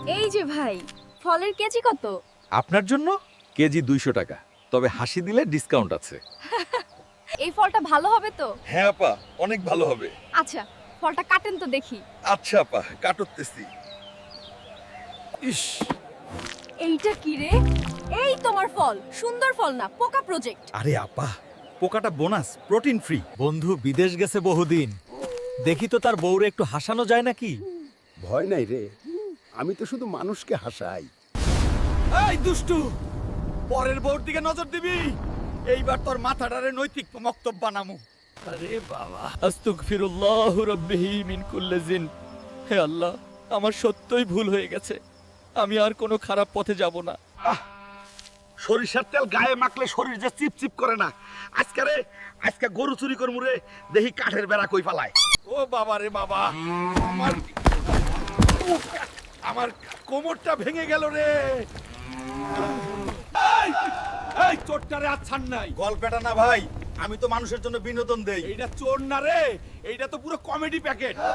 এই যে ভাই, ফলের কেজি কত? আপনার জন্য কেজি 200 টাকা, তবে হাসি দিলে ডিসকাউন্ট আছে। এই ফলটা ভালো হবে তো? হ্যাঁ আপা, অনেক ভালো হবে। আচ্ছা, ফলটা কাটেন তো দেখি। আচ্ছা আপা, কাটতেছি। ইস, এইটা কি রে? এই তোমার ফল, সুন্দর ফল না, পোকা প্রজেক্ট। আরে আপা, পোকাটা বোনাস, প্রোটিন ফ্রি। বন্ধু বিদেশ গেছে বহুদিন, দেখি তো তার বউরে একটু হাসানো যায় নাকি। ভয় নাই রে, আমি তো শুধু মানুষকে হাসাই। এই দুষ্টু, পরের বউর দিকে নজর দিবি, এইবার তোর মাথাটারে নৈতিক মক্তব্য বানামু। আরে বাবা, আস্তাগফিরুল্লাহ রাব্বিহি মিন কুল্লি জিন। হে আল্লাহ, আমার সত্যই ভুল হয়ে গেছে, আমি আর কোনো খারাপ পথে যাব না। সরিষার তেল গায়ে মাখলে শরীর যে চিপচিপ করে না। আজকে গরু চুরি করমু রে, দেখি কাঠের বেড়া কই পালায়। ও বাবা রে বাবা, আমার কোমরটা ভেঙে গেল রে। এই চোরটারে আচ্ছান নাই। গল্পটা না ভাই, আমি তো মানুষের জন্য বিনোদন দেই। এইটা চোর না রে, এইটা তো পুরো কমেডি প্যাকেট।